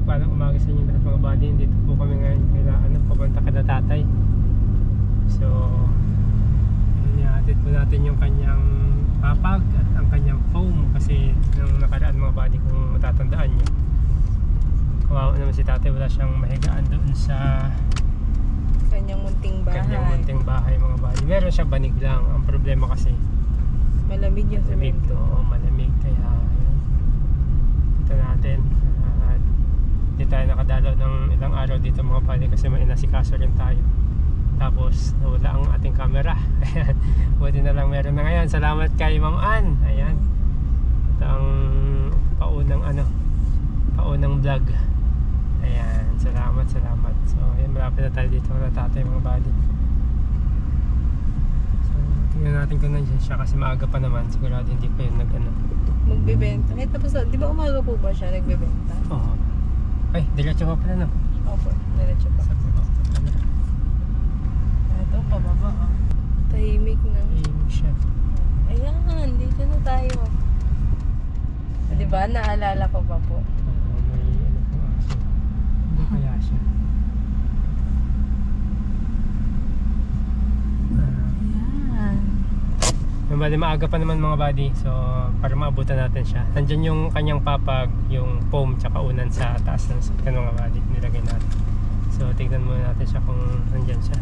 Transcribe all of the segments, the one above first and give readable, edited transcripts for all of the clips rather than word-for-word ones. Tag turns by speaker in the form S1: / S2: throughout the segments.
S1: mapagpalang umaga sa inyo lahat mga buddy. Dito po kami ngayon kailangan papunta kada tatay. So ihatid po natin yung kanyang papag at ang kanyang foam. Kasi nung nakaraan mga buddy, kung matatandaan nyo, kawawa naman si tatay, wala siyang mahigaan doon sa
S2: Kanyang munting bahay.
S1: Mga buddy. Meron siyang banig lang. Ang problema kasi
S2: Malamig yung
S1: malamig to,
S2: semento.
S1: malamig, kaya yun. Ito natin. Hindi tayo nakadalaw ng ilang araw dito mga buddy kasi may inasikaso rin tayo. Tapos nawala ang ating camera. Ayan, buti na lang meron na ngayon. Salamat kay Ma'am Ann. Ayan, ito ang paunang vlog. Ayan, salamat. So ayan, malapit na tayo dito na tatay mga buddy. So tingnan natin kung nandiyan siya kasi maaga pa naman. Sigurado hindi pa yun
S2: Magbebenta. Eh, tapos, di ba umaga po ba siya nagbebenta?
S1: Oo. Ay, diretso pa pala no?
S2: Opo, diretso pa.
S1: Sabi ko,
S2: Ito, pababa oh. Tahimik na.
S1: tahimik siya.
S2: Ayan, dito na tayo. Di ba, naalala ko pa po.
S1: May ano pong aso. Hindi kaya siya.
S2: Ayan.
S1: Yung bali maaga pa naman mga buddy. So para maabutan natin siya. Nandyan yung kanyang papag, yung foam tsaka unan sa taas ng sakyan mga buddy. Nilagay natin. So tignan muna natin siya kung nandyan siya.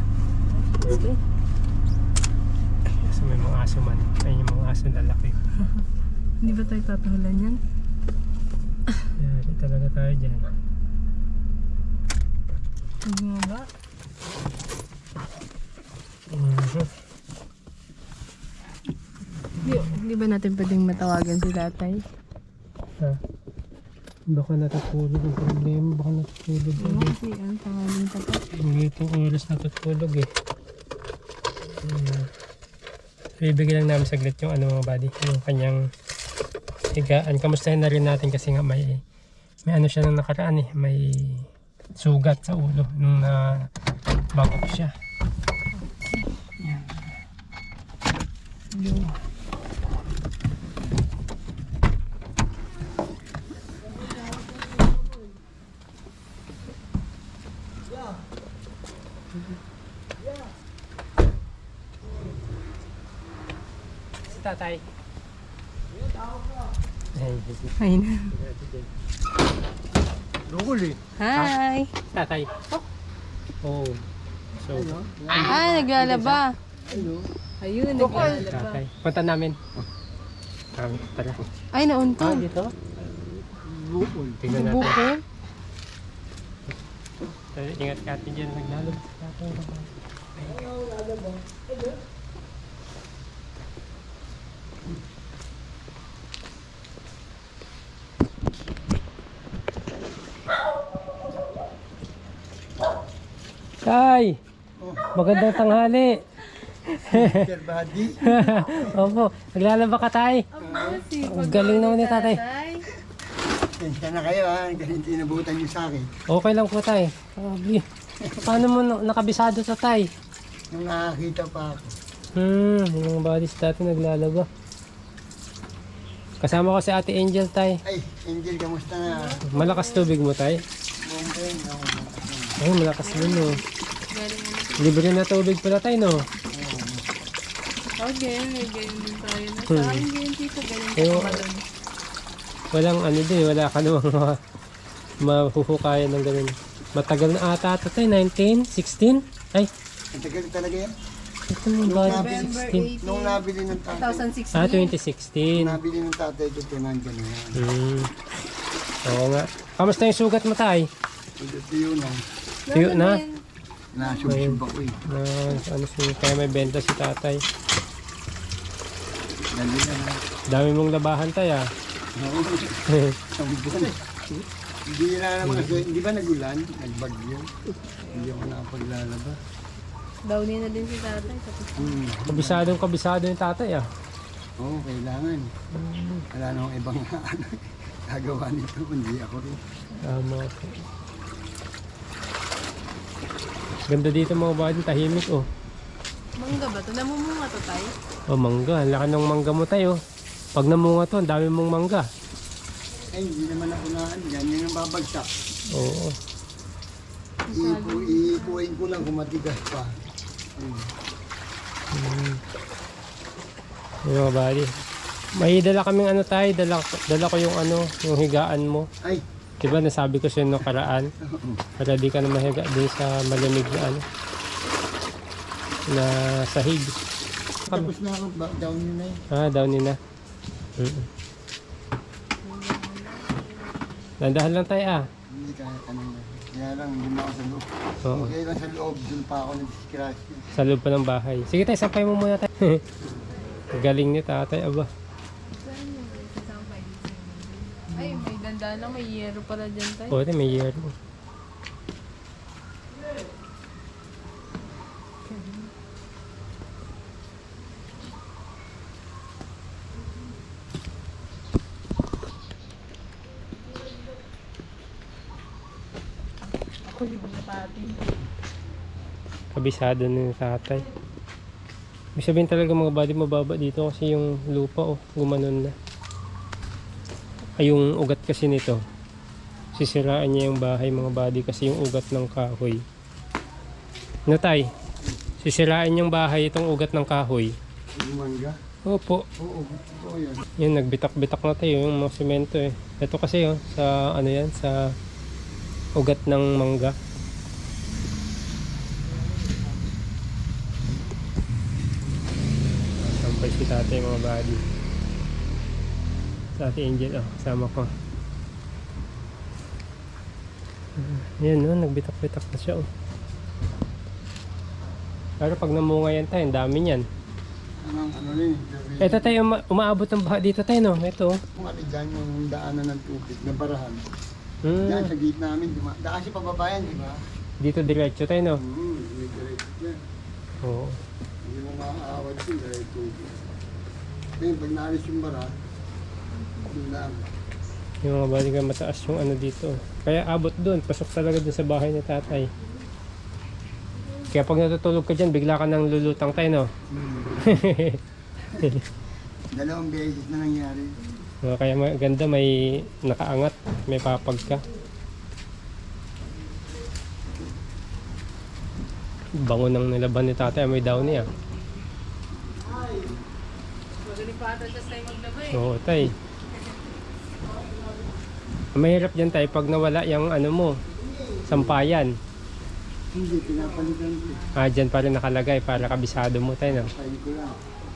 S1: So may mga aso man. Ayun yung mga aso lalaki.
S2: Hindi ba tayo tatahulan yan?
S1: Yari talaga tayo dyan.
S2: Hindi nga ba? Di ba natin pwedeng matawagan si tatay?
S1: Ha? Baka natutulog ang problema. Baka natutulog.
S2: Oo, kasi ang pangalan pa pa.
S1: Hindi itong oras natutulog eh. Ibigay lang namin saglit yung ano mga buddy, yung kanyang higaan. Kamustahin na rin natin kasi nga may ano siya nung nakaraan eh. May sugat sa ulo nung bago siya. Yan. Yung tatay.
S2: Ay na.
S1: Lugol eh.
S2: Hi!
S1: Tatay. Oh. So,
S2: Naglalaba. Ayun, naglalaba.
S1: tatay. Punta namin. Tara.
S2: Ay, nauntog.
S1: Dito? Bukol. Tingnan natin.
S2: Bukol.
S1: Ingat ka atin dyan. Naglalab. Tay! Magandang tanghali!
S3: Sir Buddy.
S1: Opo, naglalaba ka tay? Ang galing naman ni tatay.
S3: Tensya na kayo ha, kasi tinabutan niyo sa akin.
S1: Okay lang po tay. Grabe. Paano mo nakabisado sa tay?
S3: Nung nakakita pa ako.
S1: Yung buddies dati naglalaba. Kasama ko si Ate Angel tay.
S3: Ay, Angel, kamusta na?
S1: Malakas tubig mo tay?
S3: Bumbeng, ako.
S1: Ay, malakas din no. Libre na tubig pala tay no?
S2: Okay, may ganyan din tayo. Sa akin, ganyan dito, ganyan
S1: Pero,
S2: pa malun.
S1: walang ano din, wala ka namang mahuhukayan ng ganun. Matagal na ata ito tay, 1916? Ay,
S3: Ang tagal talaga yan.
S1: ito yung body
S2: November
S1: 16.
S3: Nung nabili ng tatay,
S2: 2016.
S1: Ah, 2016.
S3: nabili ng tatay ito, nandyan na yan.
S1: Oo nga. Kamusta yung sugat mo tay?
S3: Ito yun lang.
S1: Tuyo na?
S3: Nasubsub ako eh.
S1: Ano kaya may benta si tatay.
S3: Dali na ha.
S1: Dami mong labahan tay ah.
S3: Ang buwan. Hindi na naman kasi, hindi ba nagulan? Nagbagyo. Hindi ako nakapaglalaba.
S2: Downy na din si tatay. Tapos,
S1: Kabisado yung tatay ah.
S3: Oo, kailangan. Wala na akong ibang gagawa nito, hindi ako rin.
S1: Tama po. Ganda dito mga body, tahimik oh.
S2: mangga ba ito? Namumunga to tayo?
S1: Oh, mangga. Ang laki ng mangga mo tayo. Pag namunga to, ang dami mong mangga.
S3: Ay, hindi naman ako na, yan yung babagsak.
S1: Oo.
S3: Iipuin ko lang kung matigas pa.
S1: Yung mga bali. May dala kaming ano tayo, dala ko yung ano, yung higaan mo.
S3: Ay,
S1: Diba nasabi ko sa'yo nung karaan? Para di ka na mahiga din sa malamig na ano. Na sahig.
S3: tapos na ako. Down yun na yun.
S1: Ah, down na. Dandahan lang tayo ah.
S3: Hindi kaya kanina. Kaya lang, hindi na ako sa loob.
S1: Oo.
S3: Okay lang sa loob, dun pa ako nag-scratch.
S1: Sa loob pa ng bahay. Sige tayo, sampay mo muna tayo. Galing ni tatay, aba.
S2: Ay, may ganda lang. May yero pala dyan tayo.
S1: Oo, may year.
S2: Ako yung pati.
S1: Kabisado na ni tatay. Ibig sabihin talaga mga body mababa dito kasi yung lupa gumanon na. Ay yung ugat kasi nito. Sisiraan niya yung bahay mga body kasi yung ugat ng kahoy. Ano tay? Sisirain yung bahay itong ugat ng kahoy.
S3: Yung mangga?
S1: Opo.
S3: Oo, yan.
S1: Yan nagbitak-bitak na tayo yung mga semento eh. Ito kasi sa ano yan sa ugat ng mangga. Sampay si tatay mga body. Sa ate Angel kasama ko. Yan nagbitak-bitak na siya Pero pag namunga yan tayo, ang dami niyan.
S3: Ano rin?
S1: Ito tayo, umaabot ng baha dito tayo no? Ito.
S3: Kung ano dyan yung daanan ng tubig, na barahan.
S1: Hmm.
S3: Yan, sa gitna namin, daan siya pababayan, di ba?
S1: Dito diretso tayo no?
S3: May direct yan.
S1: Oo.
S3: Hindi mo makakaawad yun dahil tubig. Ngayon, pag naalis yung bara, yun lang.
S1: Yung mga balikan mataas yung ano dito. Kaya abot doon, pasok talaga doon sa bahay ni tatay. Kaya pag natutulog ka dyan, bigla ka nang lulutang tayo no?
S3: Dalawang beses na nangyari.
S1: Kaya maganda, may nakaangat, may papag ka. Bango nang nilaban ni tatay, may down niya.
S2: Magaling pa ata dyan tayo maglaba eh.
S1: Oo tay. Mahirap dyan tayo pag nawala yung ano mo, sampayan.
S3: Hindi, pinapalitan ko.
S1: Dyan pa rin nakalagay para kabisado mo tayo no?
S3: Kain ko lang.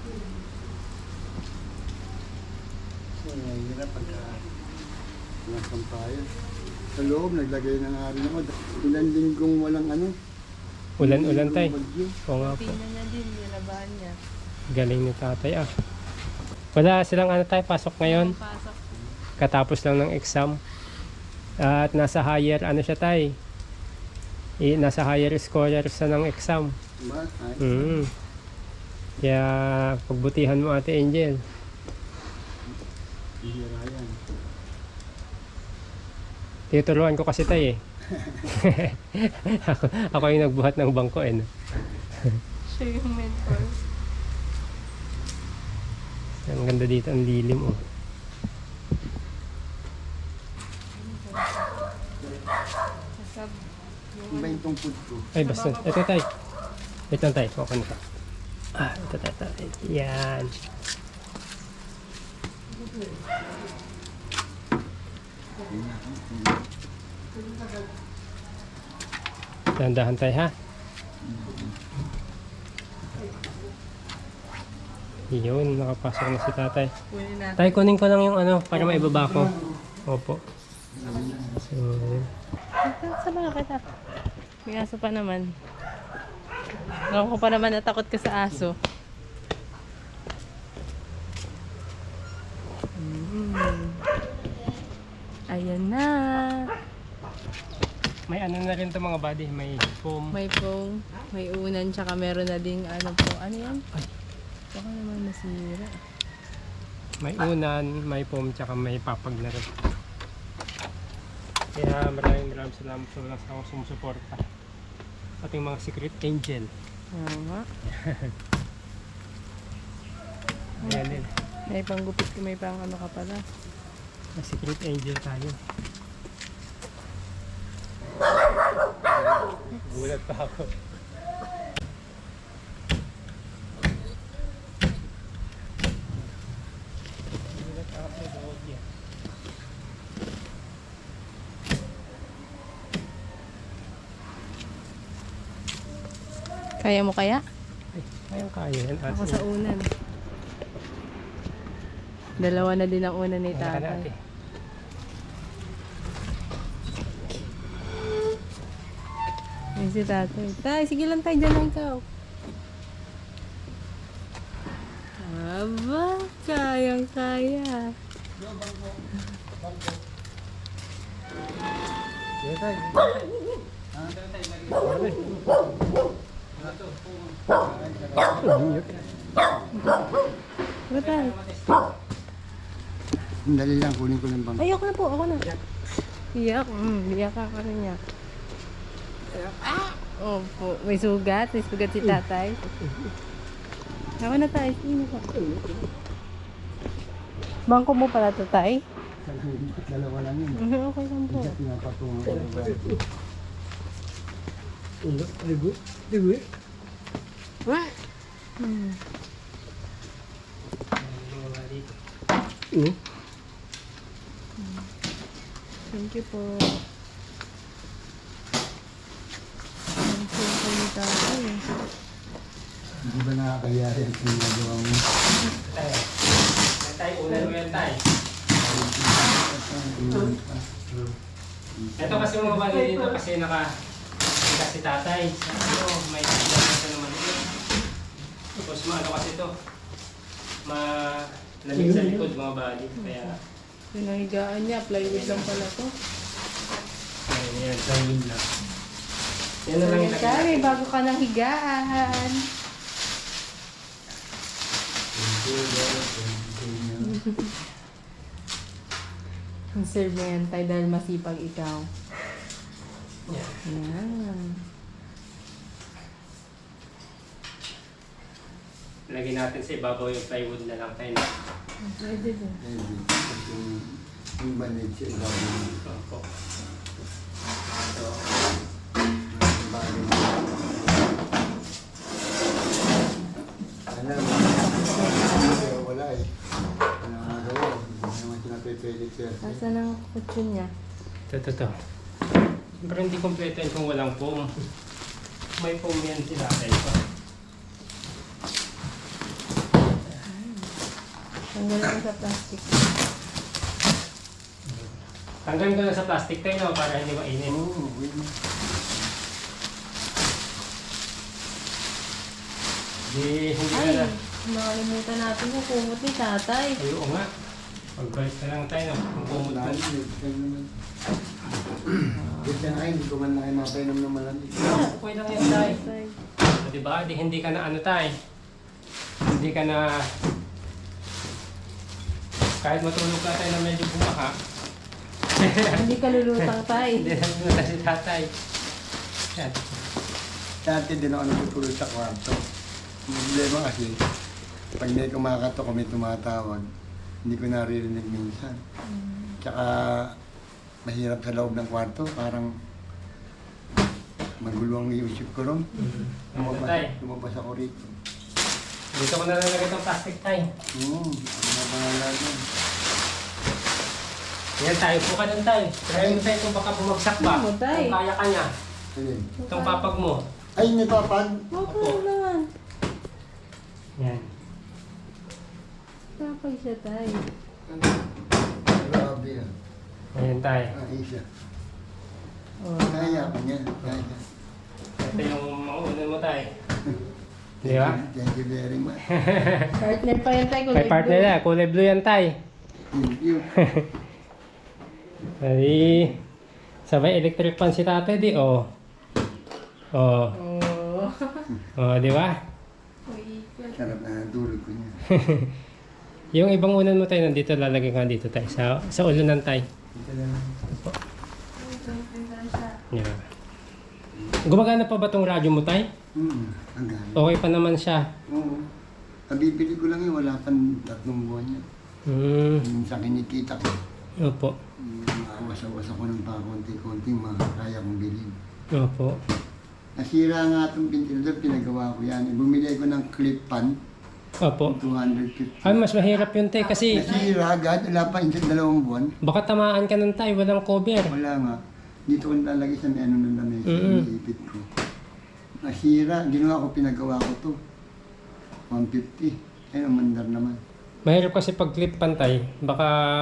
S3: Hirap pagka walang sampayan. Sa loob, naglagay na nga rin ako. Ilan linggong walang ano.
S1: Ulan-ulan tayo.
S3: Bagyo.
S1: Oo nga po.
S2: Tingnan niya din, nilabahan niya.
S1: Galing ni tatay Wala silang ano tayo, pasok ngayon.
S2: Pasok.
S1: Katapos lang ng exam. At nasa higher ano siya tay. Nasa higher scholars na ng exam.
S3: Diba? Ay,
S1: Kaya pagbutihan mo ate Angel.
S3: hihira yan.
S1: Tinuturuan ko kasi tay ako yung nagbuhat ng bangko no?
S2: Siya yung mentor.
S1: Ang ganda dito, ang lilim
S2: Sasab.
S3: Ano ba yung tungkod ko?
S1: Ay basta, ito tay. Ito lang tay, okay na ka. Ito tay. Yan. Dahan-dahan tayo ha. Yun, nakapasok na si tatay.
S2: Kunin natin.
S1: Tay, kunin ko lang yung ano para maibaba ko. Opo. So,
S2: Sama kita. May aso pa naman. Alam ko pa naman natakot ka sa aso. Ayan na.
S1: may ano na rin to mga buddy, may foam.
S2: May pong, may unan, tsaka meron na ding ano po. Ano yan?
S1: Ay.
S2: Baka naman masira.
S1: May unan, may foam, tsaka may papag na rin. Kaya maraming salamat sa mga sumusuporta. Ating mga secret angel.
S2: Oo nga.
S1: Ayan din.
S2: May panggupit ko, may pang ano ka pala.
S1: May secret angel tayo. Nagulat pa ako. Nagulat ako sa loob yan.
S2: Kaya mo kaya?
S1: Ayun kaya yan.
S2: Ako sa unan. Dalawa na din ang unan ni tatay. Ay, si tatay. Tay, sige lang tayo dyan lang ikaw. Aba, kayang-kaya.
S1: Yan tayo.
S2: Ano tayo?
S3: Dali lang, kunin ko lang bang.
S2: Ay, ako na po, ako na. Iyak, iyak ako na niya. Opo, may sugat si tatay. Ako na tayo, sino po? Bangko mo pala to, tay?
S3: Dalawa lang yun.
S2: Okay lang po.
S3: Pinapatungan ko lang ba?
S1: Digo.
S2: Hmm. Thank you po. Thank you po ni tatay.
S3: Hindi ba nakakaya yan kung nagawa mo?
S1: Tay, ulan mo yan, tay. Ito kasi mga bagay dito kasi si tatay. Ano, may tigilan na naman ito. Tapos maano kasi ito. Malamig sa likod mga bagay. Kaya,
S2: Pinahigaan niya, plywood lang pala to.
S1: yan, plywood lang. Yan na lang yung
S2: Sorry, bago ka nang higaan. Serve mo yan tayo dahil masipag ikaw.
S1: Yan.
S2: Yan.
S1: Lagyan natin sa ibabaw yung plywood na lang tayo.
S2: Pwede din.
S3: Yung bandage siya, ibabaw.
S1: Opo. So,
S3: Alam mo, wala eh. Wala nga gawa. Hindi naman sinapipilit siya.
S2: Asan ang kutsyon niya?
S1: ito. Pero hindi kompleto yun kung walang foam. May foam yan sila tayo pa.
S2: Tanggal ko sa plastic.
S1: Tanggalin ko na sa plastic tayo no, para hindi mainit.
S3: Oo, wait mo.
S1: Hindi ka
S2: Ay,
S1: na.
S2: nakalimutan natin yung kumot ni tatay.
S1: Ay, oo nga. Pagbalik na lang tayo no, kung kumot na.
S3: Kasi na kayo, hindi ko man na kayo mapainom ng malamig.
S1: Okay lang yan tayo.
S2: Tay.
S1: So, diba? Hindi ka na ano tayo. Hindi ka na... Kahit matulog ka tayo na medyo bumaha.
S2: Hindi ka lulutang tay.
S1: Hindi na luluta si tatay. Yan.
S3: Dati din ako natutulog sa kwarto. Ang problema kasi, pag may kumakatok o may tumatawag, hindi ko naririnig minsan. Tsaka, mahirap sa loob ng kwarto, parang magulo ang isip ko ron. Lumabas ako rito.
S1: Dito ko na lalagay itong plastic tayo.
S3: Oo, ano na pangalan yun?
S1: Yan tayo, po ka dun tayo. Try mo tayo kung baka bumagsak ba.
S2: Ano, tay?
S1: Kung kaya ka niya.
S3: Alin?
S1: Itong papag mo.
S3: Ay, may papag!
S2: Okay naman.
S1: Yan.
S2: Tapag siya tay.
S3: Grabe ah.
S1: Ayan tayo.
S3: Isa.
S2: Oh.
S3: Kaya ko niya. Kaya.
S1: Ito yung mauunan mo tayo. Di ba?
S3: Thank you very much.
S2: Partner pa yan tay.
S1: May partner na. Kulay blue yan tayo.
S3: Thank you.
S1: Ay, sabay electric fan si tatay di. Oh. Oh.
S2: Oh.
S1: Oh, di ba?
S3: Sarap na natulog ko niya.
S1: Yung ibang unan mo tayo nandito, lalagay ka dito tayo. Sa ulunan tayo.
S3: Ito na lang.
S1: Yeah. Gumagana pa ba tong radyo mo tayo?
S3: Ang gano'n.
S1: Okay pa naman siya.
S3: Oo. Nabibili ko lang yun, wala pang 3 buwan yan. Yung sa kinikita ko,
S1: Opo.
S3: maawas-awas ako ng pa konti-konti, makakaya kong bilhin.
S1: Opo.
S3: Nasira nga itong ventilator, pinagawa ko yan. Bumili ko ng clip fan,
S1: Opo.
S3: 250.
S1: Ay, mas mahirap yun tay kasi
S3: Nasira agad, wala pa yung 2 buwan.
S1: baka tamaan ka ng tay, walang cover.
S3: Wala nga. Dito ko nilalagay sa may ano ng lamesa,
S1: Mm-mm.
S3: iniipit ko. Nasira, ginawa ko, pinagawa ko to. 150. Ayun, mandar naman.
S1: Mahirap kasi pag clip pantay, baka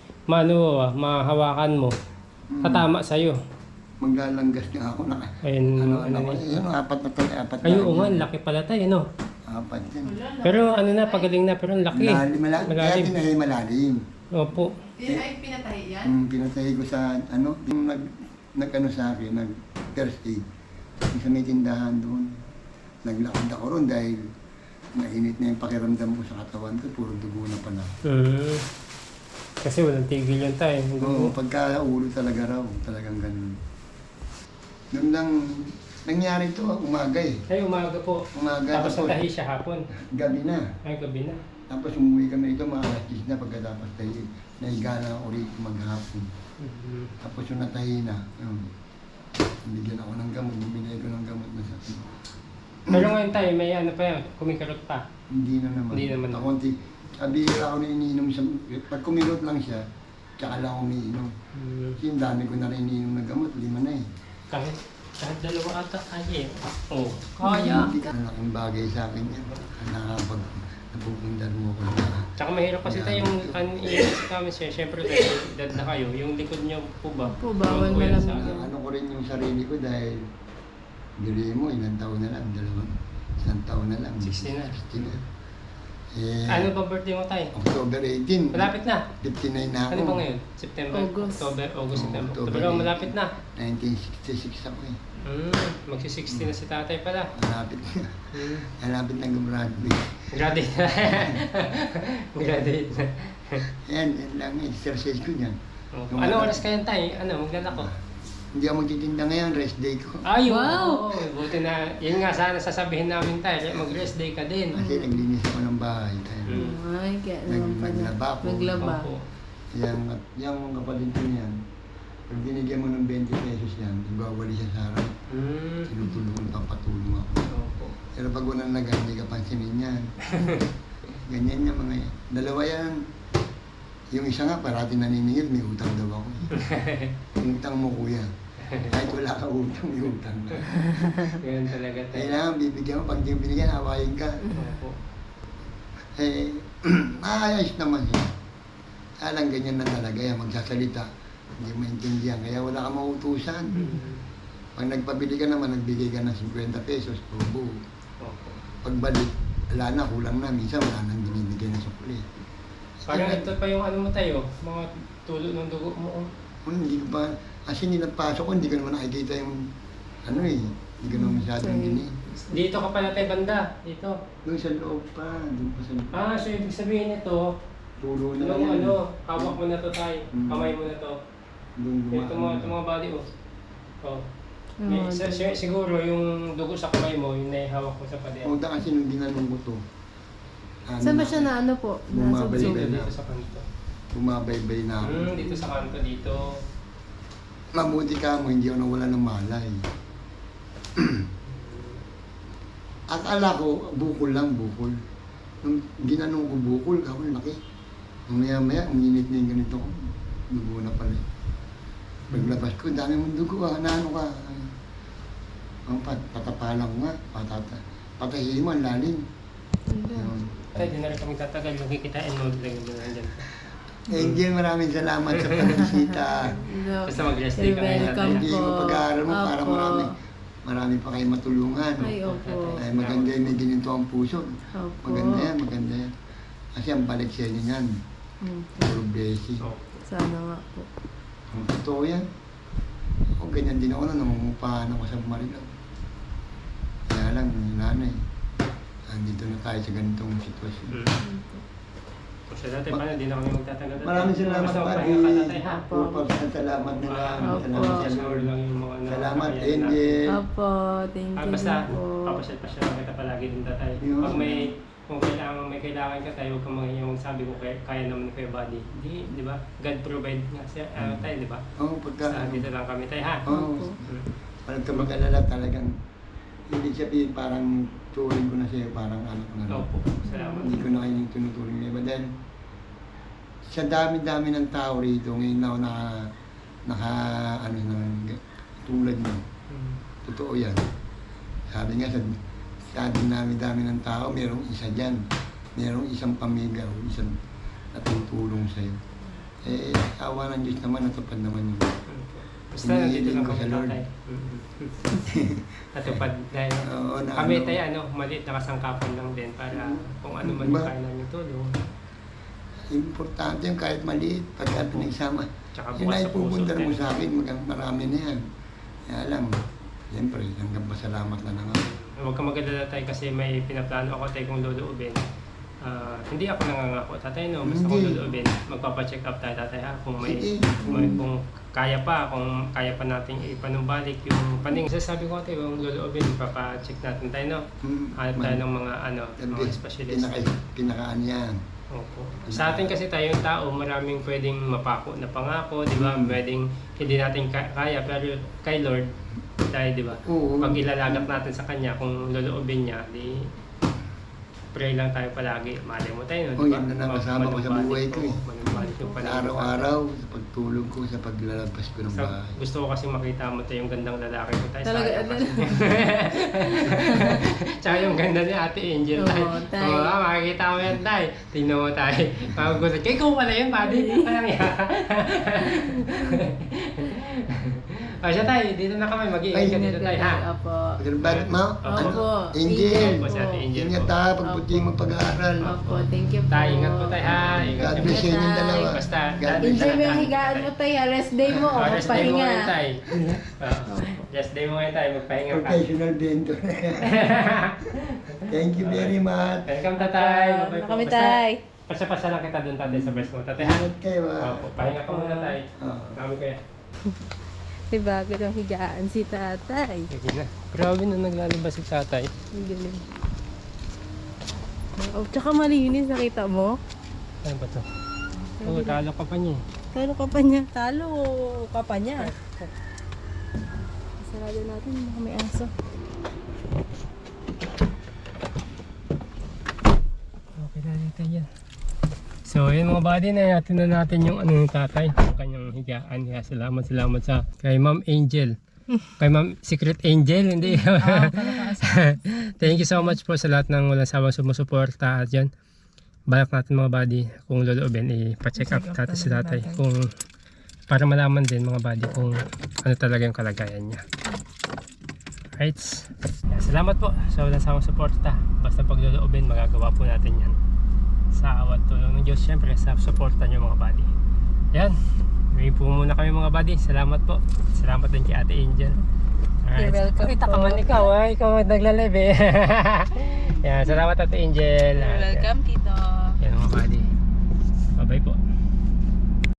S1: mahawakan mo. Tatama sa'yo.
S3: Maglalanggas nga ako na.
S1: Ayun,
S3: Ano
S1: ano
S3: ko,
S1: ni.
S3: yun, apat na to, apat na.
S1: Ay, oo nga, laki pala tayo, no?
S3: Apat yan.
S1: Pero ano na, pagaling na, pero ang laki.
S3: Malalim, malalim. Kaya
S1: Malalim.
S3: tinahay malalim.
S1: Opo.
S2: Ay, pinatahi yan?
S3: Pinatay ko sa, ano, yung nag-ano sa akin, nag-first aid. Yung sa may tindahan doon. Naglakad ako ron dahil nainit na yung pakiramdam ko sa katawan ko, puro dugo na pala.
S1: Kasi walang tigil yun tayo.
S3: Oo, pagka ulo talaga raw, talagang ganun. Doon lang, nangyari to, umaga eh.
S1: Ay, umaga po.
S3: Umaga,
S1: Tapos natahi siya hapon.
S3: gabi na.
S1: Ay, gabi na.
S3: Tapos umuwi kami ito, mga alas 10 na pagkatapos tayo. Nahiga na ako rito maghapon. Tapos yung natahi na, bigyan ako ng gamot, bumili ko ng gamot na sakit.
S1: Pero ngayon tayo, may ano pa yan, kumikarot pa.
S3: Hindi na naman.
S1: Hindi naman.
S3: Kakunti, kabihira ako na iniinom sa, pag kumilot lang siya, tsaka lang ako umiinom. Kasi yung dami ko na rin iniinom na gamot, 5 na eh.
S1: Kahit dalawa ata kaya eh. Oo. Kaya.
S3: Hindi ka malaking bagay sa akin yan. Nakapag napupundar mo ko na.
S1: Tsaka mahirap kasi tayo yung i-ask kami siya. Siyempre dahil edad na kayo, yung likod niyo po ba?
S2: Po, bawal
S1: Yung kuya
S2: malamig.
S1: sa akin.
S3: Ano ko rin yung sarili ko dahil bili mo, ilang taon na lang, isang taon na lang.
S1: 60 na.
S3: 60 na. Eh,
S1: Ano ba birthday mo tayo?
S3: October 18.
S1: Malapit na.
S3: 59 na ako.
S1: Ano ba ngayon? September?
S2: August.
S1: August, September.
S3: October
S1: Pero malapit na.
S3: 1966 ako eh.
S1: Magsi-60 na si tatay pala.
S3: Malapit na. Malapit na gumraduate.
S1: Graduate na. Graduate na.
S3: Yan lang exercise ko niyan.
S1: Ano oras kayo tayo? Ano, maglalako?
S3: Hindi ako magtitinda ngayon, rest day ko.
S1: Ay,
S2: Wow!
S1: Buti na, yun nga sana sasabihin namin tayo, mag-rest day ka din.
S3: Kasi naglinis ako ng bahay. Kaya
S2: Ay, kaya naman pala.
S3: naglaba ako.
S2: Naglaba.
S1: Opo.
S3: yung kapatid ko niyan, pag binigyan mo ng 20 pesos yan, ibawali siya sa harap. Tinutulungan, papatulong ako.
S1: Opo.
S3: Pero pag walang nagan, hindi ka pansinin yan. Ganyan yung mga yan. Dalawa yan. Yung isa nga, parati naniningil, may utang daw ako. Yung utang mo, kuya. Kahit wala ka utang, may utang na.
S1: Ganyan talaga tayo.
S3: Kailangan bibigyan mo, pag di mo binigyan, hawain ka.
S1: Opo.
S3: Eh, maayos naman siya. Kaya lang ganyan na talaga yan, magsasalita. Hindi maintindihan, kaya wala ka mautusan. Pag nagpabili ka naman, nagbigay ka ng 50 pesos, tubo.
S1: Opo.
S3: Pagbalik, wala na, kulang na. Minsan wala nang binibigay na sukli.
S1: Parang ito pa yung ano mo tayo, mga tulo ng dugo mo.
S3: Hindi ko pa, kasi nilagpasok ko, hindi ko naman nakikita yung, ano eh, hindi ko naman masyadong gini.
S1: Dito ka pala tayo banda, dito.
S3: Doon sa loob pa, doon pa sa loob.
S1: So ibig sabihin nito,
S3: Tulo na
S1: yung
S3: yan.
S1: ano, hawak mo na to tayo,
S3: Mm.
S1: kamay mo na to.
S3: Doon
S1: Ito mga body oh. Oh.
S2: Oo,
S1: Siguro yung dugo sa kamay mo, yung naihawak mo sa pader.
S3: Punta kasi nung ginanong ko to.
S2: Saan ba siya na ano po?
S3: Bumabalik
S1: Dito,
S3: ka na.
S1: dito sa kanto.
S3: Bumabaybay na ako.
S1: Dito sa kanto, dito.
S3: Mabuti ka mo, hindi ako nawala ng malay. Akala ko, bukol lang, bukol. Nung ginanong ko bukol, ako laki. Nung maya-maya, uminit na yung ganito ko. Dugo na pala. Paglabas ko, dami mong dugo ah, naano ka. Patapalang nga, patahihin mo, ang lalim. Yun.
S1: Tay, di na rin kami tatagal. Magkikitain mo, lagyan mo na dyan.
S3: Angel, maraming salamat sa pagbisita.
S1: Basta mag-rest day ka ngayon,
S2: Welcome
S3: Hindi
S2: po.
S3: mo pag-aaral mo para
S2: Opo.
S3: marami pa kayong matulungan.
S2: Ay, opo.
S3: Ay, maganda yung may ginito ang puso.
S2: Opo.
S3: Maganda yan, maganda yan. Kasi ang balik sa inyo yan, puro blessing.
S1: So,
S2: Sana nga po.
S3: Ang totoo yan. Ako, ganyan din ako na nangungupahan ako sa Marilao. Kaya lang, nanay, andito na tayo sa ganitong sitwasyon.
S1: Kasi dati pa, hindi na kami magtatagal.
S3: Maraming salamat,
S1: Basta
S3: Padi.
S1: magpahinga ka, tatay, ha?
S3: Opo, salamat na lang.
S2: Opo.
S3: Salamat sa
S1: Sure
S3: Lord.
S1: lang yung mga
S3: Salamat,
S1: nakakaya na.
S3: Angel.
S2: Opo, thank you
S1: Basta,
S2: din po.
S1: papasyal-pasyal lang kita palagi din tatay.
S3: Yun.
S1: Pag kung may kailangan ka tayo, huwag kang magsabi ko kaya naman ni Kuya Buddy. Hindi, di ba? God provide nga siya, tayo, di ba?
S3: Oo, pagka,
S1: Dito lang kami tayo, ha?
S3: Oo.
S2: Opo.
S3: Parang ka mag-alala talagang Hindi sabihin parang turing ko na sa'yo, parang ano ko na rin.
S1: Opo, salamat.
S3: Hindi ko na kayo tinuturing niya. But then, sa dami-dami ng tao rito, ngayon ako ano, tulad mo.
S1: Mm.
S3: Totoo yan. Sabi nga, sa dami-dami ng tao, merong isa dyan. Merong isang pamilya o isang natutulong sa'yo. Eh, awa ng Diyos naman, natupad naman yun.
S1: Basta nandito lang
S3: Hinihiling ko
S1: kami
S3: sa Lord.
S1: tatay. Natupad dahil
S3: Oo, na
S1: kami
S3: ano.
S1: tayo maliit na kasangkapan lang din para kung ano man yung
S3: Ba-
S1: kaya namin tulong.
S3: Importante yung kahit maliit, pagka pinagsama.
S1: Tsaka
S3: Yun
S1: bukas
S3: ay
S1: sa puso
S3: pupundar mo
S1: din.
S3: sa akin, marami na yan. Kaya lang, siyempre, hanggang pasalamat na lang ako.
S1: Huwag ka mag-alala tayo kasi may pinaplano ako tayo kung luluubin. Hindi ako nangangako, tatay no, basta kung
S3: Hindi.
S1: luluubin, magpapacheck up tayo tatay ha, kung
S3: Sige.
S1: kung kaya pa nating ipanumbalik yung paning. Sasabi ko tayo, kung luluubin, papacheck natin tayo no. Hanap tayo ng mga mga specialist.
S3: Pinakaan yan.
S1: Opo. Sa atin kasi tayong tao, maraming pwedeng mapako na pangako, di ba? Pwedeng hindi natin kaya, pero kay Lord, dahil di ba?
S3: Oo.
S1: Pag ilalagak natin sa Kanya, kung luluubin niya, di pray lang tayo palagi. Malay mo tayo,
S3: Oh, yan na nakasama ko sa buhay ko eh.
S1: Manumbalik yung
S3: Sa
S1: panahon.
S3: araw-araw, sa pagtulog ko, sa paglalabas ko ng bahay.
S1: Gusto ko kasi makita mo tayo yung gandang lalaki ko tayo.
S2: Talaga,
S1: sayang kasi. Tsaka yung ganda ni Ate Angel tayo.
S2: Oo, tay.
S1: Oo, makikita mo yan tayo. Tingnan mo tayo. Magugulat. Kaya ikaw pala yun, buddy. Parang yan. O siya tayo, dito na kami. Mag-iingat ka dito tayo, ha?
S2: Opo.
S3: Pagkalabas mo,
S2: Opo.
S3: Angel,
S1: Opo, si Ate Angel
S3: ingat
S1: po.
S3: ha, pagbuti mo pag-aaral.
S2: Opo, thank you po.
S1: Tayo, ingat po tayo, ha? Ingat
S3: God
S1: niyo
S3: bless
S1: po.
S3: sa inyong dalawa.
S1: Basta,
S3: God bless.
S2: Enjoy mo yung higaan mo tayo. Rest day mo. O,
S1: Rest day mo
S2: magpahinga.
S1: ngayon tayo. Rest day mo ngayon tayo. Magpahinga ka.
S3: Professional vendor. Thank you very much.
S1: Welcome, tatay. Bye-bye po.
S2: Kami
S1: Basta,
S2: tay.
S1: Pasa-pasa lang kita doon, tatay, sa breast mo. Tatay, ha?
S3: Ingat kayo ha.
S1: Opo, pahinga ka muna, tay.
S3: Oo.
S1: Kami kaya.
S2: May bago ng higaan si tatay.
S1: Sige na. Grabe na naglalabas si tatay.
S2: Ang galing. Oh, tsaka malinis, nakita mo?
S1: Ano ba to? Oo, talo ka pa niya.
S2: Talo ka pa niya. Talo ka pa niya. Sarado natin, baka may aso.
S1: Okay na dito yan. So, yun mga buddy, natin na natin yung ano ng tatay, yung kanyang higaan. Kaya salamat sa kay Ma'am Angel. Kay Ma'am Secret Angel, hindi. Thank you so much po sa lahat ng walang sawang sumusuporta at yan. Balak natin mga buddy, kung loloobin, ipa-check up natin si tatay. Kung, para malaman din mga buddy kung ano talaga yung kalagayan niya. Right? Salamat po sa walang sawang suporta. Basta pag loloobin, magagawa po natin yan. Sa awat tulong ng Diyos, syempre sa suporta nyo mga buddy. Yan, may po muna kami mga buddy. Salamat po. Salamat din kay Ate Angel.
S2: You're welcome
S1: Kita ka
S2: po.
S1: man ikaw, ikaw ang nagla-live eh. Yan, salamat Ate Angel.
S2: You're welcome, Tito.
S1: Yan mga buddy.